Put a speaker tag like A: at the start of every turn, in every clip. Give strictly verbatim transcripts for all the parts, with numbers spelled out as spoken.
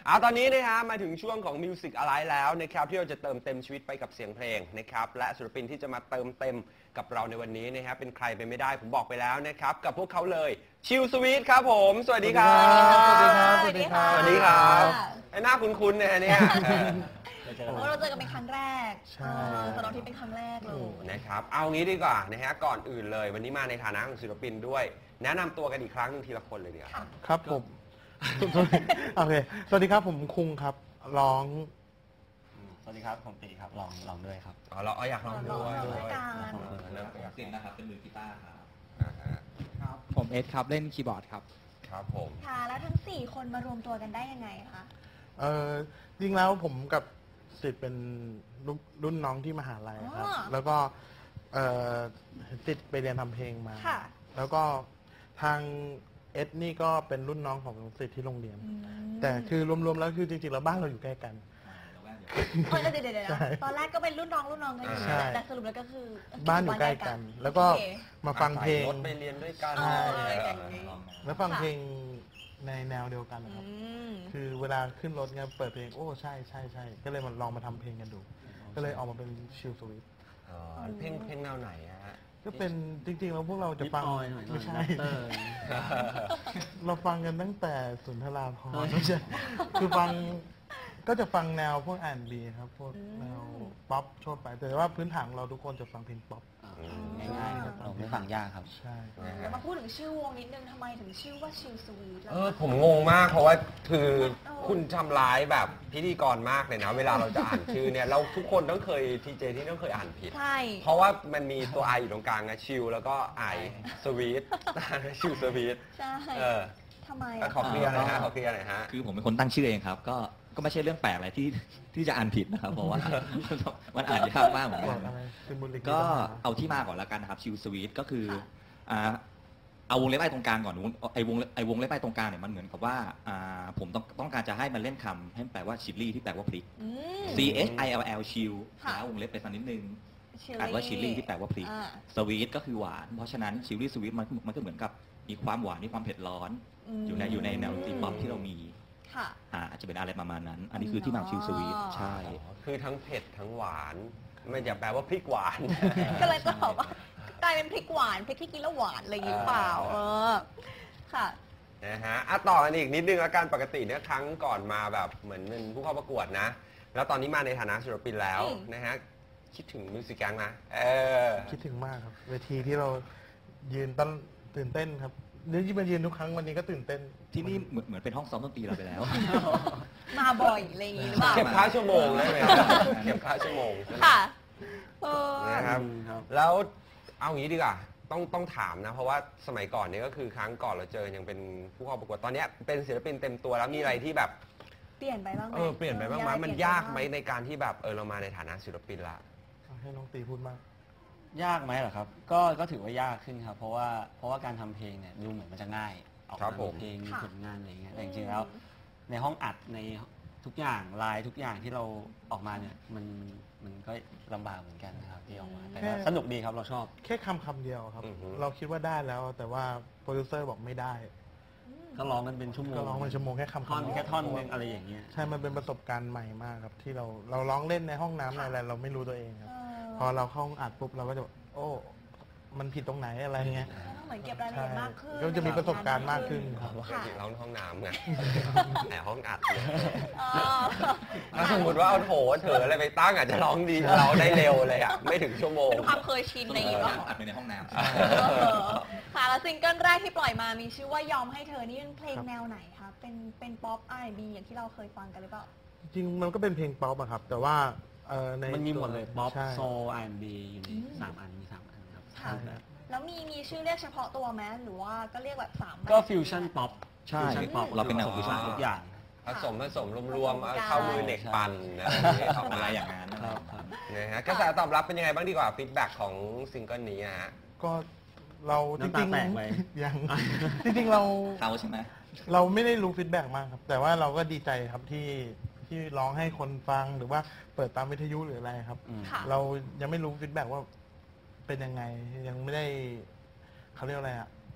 A: เอาตอนนี้นะฮะมาถึงช่วงของ Music Alive แล้วนะครับที่เราจะเติมเต็มชีวิตไปกับเสียงเพลงนะครับและศิลปินที่จะมาเติมเต็มกับเราในวันนี้นะฮะเป็นใครไปไม่ได้ผมบอกไปแล้วนะครับกับพวกเขาเลยชิลสวีทครับผมสวัสดีครับ
B: สวัสดีครับสวัสดีครับ
A: สวัสดีครับไอ้หน้าคุ้นๆนะเนี่ย
B: เพราะเราเจอกันเป็นครั้งแรก
C: ใช่
B: สำหรับที่เป็นครั้งแรกเลย
A: นะครับเอางี้ดีกว่านะฮะก่อนอื่นเลยวันนี้มาในฐานะของศิลปินด้วยแนะนำตัวกันอีกครั้งหนึงทีละคนเลยดีกว่า
C: ครับผมโอเคสวัสดีครับผมคุงครับร้อง
D: สวัสดีครับผมตีครับลองลองด้วยครับ
A: อ๋อเราเอาอยากลองด้วย
B: ลองด้วยกัน
A: เออเริ่ม
D: ผมตินนะครับเป็นมือกีตาร์ครับ
A: อ่าฮะ
E: ครับผมเอสครับเล่นคีย์บอร์ดครับ
A: ครับผม
B: ค่ะแล้วทั้งสี่คนมารวมตัวกันได้ยังไงคะ
C: เออจริงแล้วผมกับสิทธิ์เป็นรุ่นรุ่นน้องที่มหาลัยครับ แล้วก็เออติดไปเรียนทำเพลงมา
B: ค่ะ
C: แล้วก็ทางเอสนี่ก็เป็นรุ่นน้องของสิทธิ์ที่โรงเรียน
B: อืม
C: แต่คือรวมๆแล้วคือจริงๆแล้วบ้านเราอยู่ใกล้กัน
B: เออเดี๋ยวเดี๋ยวเดี๋ยว
C: ใช่
B: ตอนแรกก็เป็นรุ่นน้องรุ่นน้องกันอยู่
C: ใช่
B: แต่สรุปแล้วก็คือ
C: บ้านอยู่ใกล้กัน แล้วก็
B: โอเค
C: มาฟังเพลง
A: รถไปเรียนด้วยกัน
B: เออ
A: เออ
B: อย่างนี้
C: แล้วฟังเพลงในแนวเดียวกันนะครับ
B: อืม
C: คือเวลาขึ้นรถเนี่ยเปิดเพลงโอ้ใช่ใช่ใช่ก็เลยมาลองมาทำเพลงกันดู ก็เลยออกมาเป็นชิลสวิต
A: อ๋อเพลงเพลงแนวไหนอะฮะ
C: ก็เป็นจริงๆแล้วพวกเราจะฟัง
D: นิดหน่อยหน่อย
C: ไม่ใช่
D: เตอร์
C: เราฟังกันตั้งแต่สุนทราภรณ์ไม่ใช่คือฟังก็จะฟังแนวพวกอ่านบีครับพวกแนวป๊อปทั่วไปแต่ว่าพื้นฐานของเราทุกคนจะฟังเพลงป๊อป
D: ง่ายๆครับเราไม่ฟังยากครับ
C: ใช่
A: นะฮะ
B: แล้วมาพูดถึงชื่อวงนิดนึงทำไมถึงชื่อว่าชิลสวีทล่ะ
A: เออผมงงมากเพราะว่าคือคุณทำร้ายแบบพิธีกรมากเลยนะ เวลาเราจะอ่านชื่อเนี่ยเราทุกคนต้องเคยทีเจที่ต้องเคยอ่านผิด
B: ใช่
A: เพราะว่ามันมีตัวไออยู่ตรงกลางนะชิลแล้วก็ไอสวีทชิลสวีท
B: ใช่
A: เออ
B: ทำไม
A: อ่ะ
B: อะ
A: ขอเคลียร์หน่อยฮะขอเคลียร์หน่อยฮะ
D: คือผมเป็นคนตั้งชื่อเองครับ ก็ก็ไม่ใช่เรื่องแปลกอะไรที่ที่จะอ่านผิดนะครับ เพราะว่า มันอ่านยากมากเหมือน
C: บ
D: กั
C: อก
D: น
C: อะไรซิมบูลิก
D: ก็เอาที่มาก่อนแล้วกันนะครับชิลสวีทก็คืออ่าเอาวงเล็บไอ้ตรงกลางก่อนวงไอ้วงไอ้วงเล็บไอ้ตรงกลางเนี่ยมันเหมือนกับว่าอ่าผมต้องต้องการจะให้มันเล่นคำให้แปลว่าชิลลี่ที่แปลว่าพริก
B: อืม
D: C H I L L ชิล
B: ค่ะ
D: แล้ววงเล็บไปสักนิดนึง
B: Chilli
D: อ่านว่าชิลลี่ที่แปลว่าพริก
B: อ่า
D: สวีทก็คือหวาน เพราะฉะนั้นชิลลี่สวีทมันมันก็เหมือนกับมีความหวานมีความเผ็ดร้อน
B: ม
D: อยู่ในอยู่ในแนวดนตรีป๊อปที่เรามี
B: ค่ะ
D: อ่าอาจจะเป็นอะไรประมาณนั้น อันนี้คือที่มาของชิลสวีท
B: อ๋อ
D: ใช่
A: คือทั้งเผ็ดทั้งหวาน ไม่อย่าแปลว่าพริกหวาน
B: ก็เลยจะบอกว่ากลายเป็นพริกหวานพริกที่กินแล้วหวานอะไรอย่างนี้หรือเปล่า เออ ค่ะ
A: นะฮะอ่ะต่อกันอีกนิดนึงแล้วกันปกติเนี่ยครั้งก่อนมาแบบเหมือนเป็นผู้เข้าประกวดนะ แล้วตอนนี้มาในฐานะศิลปินแล้ว
B: อืม
A: นะฮะคิดถึงมิวสิกแก๊งนะเออ
C: คิดถึงมากครับ เวทีที่เรายืนต้นตื่นเต้นครับเดี๋ยวที่มายืนทุกครั้งวันนี้ก็ตื่นเต้น
D: ที่นี่เหมือนเหมือนเป็นห้องซ้อมดนตรีเราไปแล้ว
B: มาบ่อยอะไรอย่างนี้หรือเปล่า
A: เก็บค่าชั่วโมงได้ไหมเก็บค่าชั่วโมงใช่ไหม
B: ค่ะ เออ
A: นะครับ แล้วเอางี้ดีกว่าต้องต้องถามนะ เพราะว่าสมัยก่อนเนี่ยก็คือครั้งก่อนเราเจอยังเป็นผู้เข้าประกวดตอนเนี้ยเป็นศิลปินเต็มตัวแล้วมีอะไรที่แบบ
B: เปลี่ยนไปบ้างไหม
A: เออเปลี่ยนไปบ้างไหม
B: อะร
A: มัน
B: เปลี่
A: ยาก
B: ป
A: ไหม
B: บ้ง
A: ในการที่แบบเออเรามาในฐานะศิลปินละ
C: ให้น้องตีพูดมาก
F: ยากไหมเหรอครับ ก็ก็ถือว่ายากขึ้นครับ เพราะว่าเพราะว่าการทำเพลงเนี่ยดูเหมือนมันจะง่าย ออก
A: ครั
F: มา
A: บผม
F: เพลงมี
B: ค่ะ
F: ผลงานอะไรอย่างเงี้ยแต่จริงๆแล้ว ในห้องอัดในทุกอย่างลายทุกอย่างที่เราออกมาเนี่ยมันมันก็ลำบากเหมือนกันนะครับที่ออกมาแต่ว่า
C: แค่
F: สนุกดีครับเราชอบ
C: แค่คำคำเดียวครับ
A: อือฮึ
C: เราคิดว่าได้แล้ว แต่ว่าโปรดิวเซอร์บอกไม่ได้
F: ก็ร้องกันเป็นชั่วโมง
C: ก็ร้องเป็นชั่วโมงแค่คำ
F: ท่อน
C: คำเดียว
F: แค่ท่อนนึงอะไรอย่างเงี้ย
C: ใช่ มันเป็นประสบการณ์ใหม่มากครับ ที่เราเราร้องเล่นในห้องน้ำในอะไรเราไม่รู้ตัวเองครับ
B: เอ
C: พอเราเข้าห้องอัดปุ๊บเราก็จะโอ้ มันผิดตรงไหนอะไรเงี้ย
B: เหมือนเก็บรายละเอียดมากขึ้น
C: ก็จะมีประสบการณ์มากขึ้นครับ
B: ค่ะ
A: จริงๆเราห้องน้ำไงแต่ห้องอัดเนี่ย
B: เออ
A: ถ้าสมมติว่าเอาโถเถออะไรไปตั้งอาจจะร้องดีร้องได้เร็วเลยอ่ะไม่ถึงชั่วโมง
B: เป็นความเคยชินอะไรอย่างงี้ป่ะ
D: อัดไปในห้องน้ำ
B: เออค่ะแล้วซิงเกิลแรกที่ปล่อยมามีชื่อว่ายอมให้เธอนี่เป็นเพลง
C: ครับ
B: แนวไหนคะเป็นเป็นป๊อป อาร์ แอนด์ บี อย่างที่เราเคยฟังกันหรือเปล่า
C: จริงๆมันก็เป็นเพลงป๊อปอะครับ แต่ว่าเอ่อใน
F: มันมีหมดเลยป๊อป
C: ใช่
F: โซล อาร์ แอนด์ บี อยู่ใน
B: อืม
F: สามอันมีสามอันครับ
B: ค่ะ แล้วมีมีชื่อเรียกเฉพาะตัวไหมหรือว่าก็เรียกแบบสามแบบ
F: ก็ฟิวชั่นป๊อป
D: ใช่
F: ฟิวชั่นป๊อป
D: เราเป็นแนว
F: ฟิวชั่น
A: อ๋อ
F: ทุกอย่าง
A: ผสมผสมรวมๆเอาเข้ามือเด็กปั่นนะออก
D: อะ
A: มา
D: ไรอย่างนั้น
F: ครับครับ
A: นะฮะกระแสตอบรับเป็นยังไงบ้างดีกว่าฟีดแบ็กของซิงเกิลนี้ฮะ
C: ก็เราจ
F: น้ำตา
C: ริง
F: แตกไหม
C: ๆยัง จริงๆเรา
D: เขาใช่ไหม
C: เราไม่ได้รู้ฟีดแบ็กมากครับ แต่ว่าเราก็ดีใจครับที่ที่ร้องให้คนฟังหรือว่าเปิดตามวิทยุหรืออะไรครับ
F: อืม
B: ค่ะ
C: เรายังไม่รู้ฟีดแบ็กว่าเป็นยังไงยังไม่ได้เขาเรียกอะไรอะ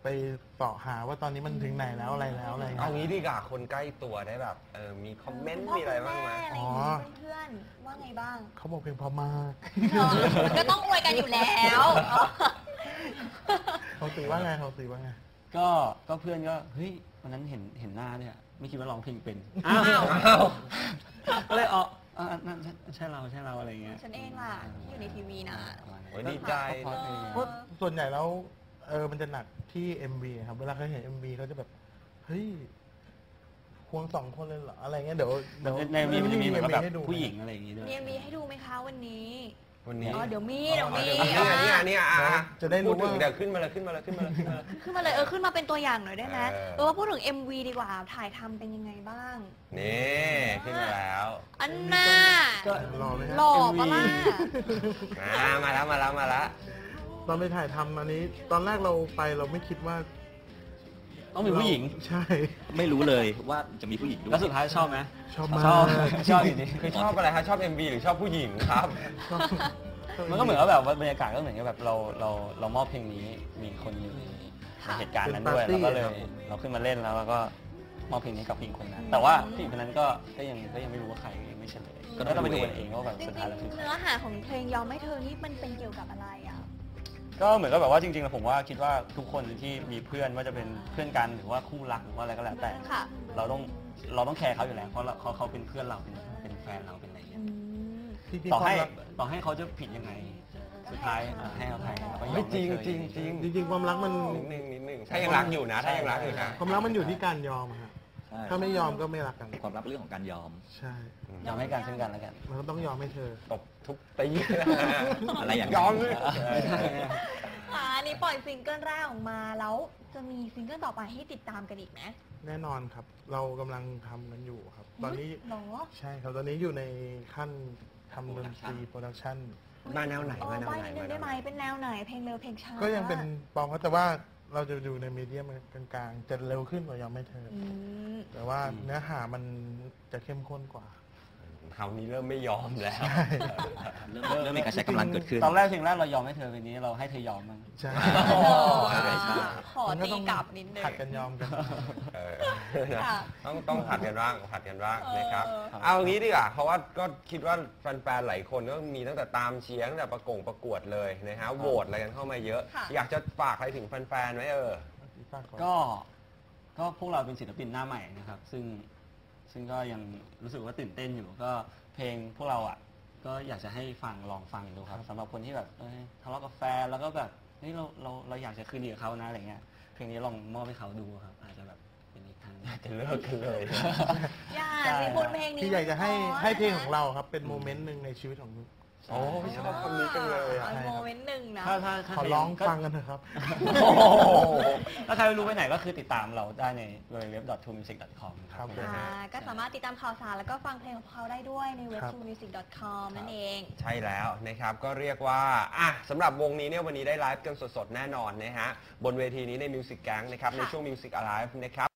C: ไปเสาะหาว่าตอนนี้มันถึงไหนแล้วอะไรแล้วอะไรเงี้
A: เอา
C: ย
A: งี้ดีกว่าคนใกล้ตัวได้แบบเออมีคอมเมนต์มีอะไรบ้างไหม
B: คุณพ่อคุณแม่อะไรอย่างงี้เพื่อนๆว่าไงบ้าง
C: เขาบอกเพลงเพอมาก
B: เนอะก็ต้องอวยกันอยู่แล้ว
C: เขาตีว่าไงเขาตีว่าไง
F: ก็ก็เพื่อนก็เฮ้ยวันนั้นเห็นเห็นหน้าเนี่ยไม่คิดว่าร้องเพลงเป็น
B: อ้าว
F: ก็เลยอ๋ออ่านั่นใช่ใช่เราใช่เราอะไรเงี้ย
B: ฉันเองล่ะที่อยู่ในทีวีนะ
A: โอ้ยดีใจ
F: ก็เพราะเพลง
C: เพราะส่วนใหญ่แล้วเออมันจะหนักที่ เอ็ม วี ครับเวลาเขาเห็น เอ็ม วีเขาจะแบบเฮ้ยควงสองคนเลยเหรออะไรเงี้ยเดี๋ยวเดี๋ยว
F: ในมีมันจะมีเหมือนกับแบบ
C: ให้ดู
F: ผู้หญิงอะไรอย่างงี้ด้วย
B: มีมีให้ดูไหมคะวันนี้
A: วันนี้
B: อ๋อเดี๋ยวมีเดี๋ยวมี
A: เดี๋ยวมีเนี่ยเนี่ยเนี่ยอ่ะ
C: จะได้รู้
A: พูดถึง
C: ว่า
A: เดี๋ยวขึ้นมาเลยขึ้นมาเลยขึ้นมาเลยขึ้นมาเลย
B: ขึ้นมาเลยเออขึ้นมาเป็นตัวอย่างหน่อยได้ไหม
A: เออ
B: เออว่าพูดถึง เอ็ม วี ดีกว่าถ่ายทำเป็นยังไงบ้าง
A: นี่ขึ้นมาแล้ว
B: อันน่า
F: ก็
C: รอไหมฮะ
B: หล่อปะล่ะ
A: มามาแล้วมาแล้วมาแล้ว
C: ตอนไปถ่ายทำอันนี้ ตอนแรกเราไปเราไม่คิดว่า
F: ต้องมีผู้หญิง
C: ใช่
D: ไม่รู้เลยว่าจะมีผู้หญิงด้วย
F: แล้วสุดท้ายชอบไหม
C: ชอบมาก
F: ชอบชอบอยู่ดี
A: คือชอบอะไรฮะชอบ เอ็ม วี หรือชอบผู้หญิงครับ
C: ชอบ
F: มันก็เหมือนกับแบบว่าบรรยากาศก็เหมือนกับแบบเราเราเรามอบเพลงนี้มีคนอยู่ในในเหตุการณ์นั้นด้วยเราก็เลยเราขึ้นมาเล่นแล้วเราก็มอบเพลงนี้กับผู้หญิงคนนั้น แต่ว่าผู้หญิงคนนั้นก็ก็ยังก็ยังไม่รู้ว่าใครยังไม่เฉลยก็ต้องไปดูกันเองว่าแบบ
B: จริ
F: สุ
B: ง
F: ดท้ายแล้วคือ
B: ๆ
F: ใคร
B: เนื้อหาของเพลงยอมให้เธอนี่มันเป็นเกี่ยวกับอะไรอ่ะ
F: ก็เหมือนกับแบบว่าจริงๆแล้วผมว่าคิดว่าทุกคนที่มีเพื่อนว่าจะเป็นเพื่อนกันหรือว่าคู่รักหรือว่าอะไรก็แล้วแต่
B: ค่ะ
F: เราต้องเราต้องแคร์เขาอยู่แล้วเพราะเราเขาเขาเป็นเพื่อนเราเป็นเป็นแฟนเราเป็นอะไรอย่างเงี้
B: อื
F: ย
B: ม
C: จริง
F: ต่อ
C: ๆควา
F: ให้
C: มรัก
F: ต่อให้เขาจะผิดยังไง สุดท้ายอ่ะให้อภัยแล้วก็ยอม
A: ไม่จริง
F: ให้เธอ
A: จริงจริง
C: จริงๆความรักมัน
A: นิดนึงนิดนึงถ้ายังรักอยู่นะถ้ายังรักอยู่นะ
C: ความรักมันอยู่ที่การยอมอะฮะ
D: ใช่
C: ถ้าไม่ยอมก็ไม่รักกัน
D: ความรักเป็นเรื่องของการยอม
C: ใช่
F: ยอมให้กันซึ่งกันแล้วกัน
C: มันก็ต้องยอมให้เธอ
A: ตบทุบตี
D: อะไรอย่างนั้น
A: ยอมเลย
B: อ่าอันนี้ปล่อยซิงเกิลแรกออกมาแล้วจะมีซิงเกิลต่อไปให้ติดตามกันอีกไหม
C: แน่นอนครับ เรากำลังทำกันอยู่ครับ ตอนนี้
B: หรอ
C: ใช่ครับ ตอนนี้อยู่ในขั้นทำดนตรีโปรดักชั่น
A: มาแนวไหน
B: เออ
A: มาแนว
B: ใบ้
A: ไหน
B: นิดนึงได้ไหมเป็นแนวไหน เพลงเร็วเพลงช้า
C: ก็ยังเป็นปองครับแต่ว่าเราจะอยู่ในมีเดียมกลางๆ จะเร็วขึ้นกว่ายอมไม่เธออ
B: อืม
C: แต่ว่าเนื้อหามันจะเข้มข้นกว่า
A: คราวนี้เริ่มไม่ยอมแล้ว
D: เริ่มเริ่มมีการใช้กำลังเกิดขึ้น
F: ตอนแรกเพลงแรกเรายอมให้เธอเพลงนี้เราให้เธอยอมมั้ง
C: ใช่
A: โอ้
D: ใช่ใช่
B: ขอ
C: มันก็
B: ตี
C: ต้อง
B: กลับนิดนึง
C: ผัดกันยอมกัน
A: เออนะ
B: ค่ะ
A: ต้องต้องผัดกันบ้างผัดกันบ้างนะครับ
B: เออ
A: เอางี้ดีกว่าเพราะว่าก็คิดว่าแฟนๆหลายคนก็มีตั้งแต่ตามเชียร์ตั้งแต่ประกงประกวดเลยนะฮะโหวตอะไรกันเข้ามาเยอะ
B: ค่ะ
A: อยากจะฝากอะไรถึงแฟนๆไหมเออ
F: ก็ก็พวกเราเป็นศิลปินหน้าใหม่นะครับ ซึ่งซึ่งก็ยังรู้สึกว่าตื่นเต้นอยู่ก็เพลงพวกเราอ่ะก็อยากจะให้ฟังลองฟังดูครับสำหรับคนที่แบบเอ้ยทะเลาะกับแฟนแล้วก็แบบเฮ้ยเราเราเราอยากจะคืนดีกับเขานะอะไรเงี้ยเพลงนี้ลองมอบให้เขาดูครับ อาจจะแบบเป็นอีกทางหนึ่ง
A: จะเลิกกันเลย
B: อย่า
F: ใช่
B: สิบทเพลงนี้
C: ที่อยากจะให้
B: มันพ
C: ให้เพลงของเราครับ เป็นโมเมนต์หนึ่งในชีวิตของ
A: โอ้ยชอบคำนี้จังเลยอ่ะ
B: เอาโมเมนต์หนึ่งนะ
F: ถ้าถ้าถ้า
C: ขอ
F: ใคร
C: ร้อง
F: ก็
C: ฟังกันเถอะครับ
A: โอ้โห
F: ถ้าใครไม่รู้ไปไหนก็คือติดตามเราได้ใน ดับเบิลยู ดับเบิลยู ดับเบิลยู ดอท ทู มิวสิก ดอท คอม
C: ครับ
B: อ่าก็สามารถติดตามข่าวสารแล้วก็ฟังเพลงของเขาได้ด้วยในเว็บ
C: ครับ
B: ทูมิวสิก ดอท คอม นั่นเอง
A: ใช่แล้วนะครับก็เรียกว่าอ่ะสำหรับวงนี้เนี่ยวันนี้ได้ไลฟ์กันสดๆ แน่นอนนะฮะบนเวทีนี้ใน Music Gang นะครับในช่วง Music Alive นะครับ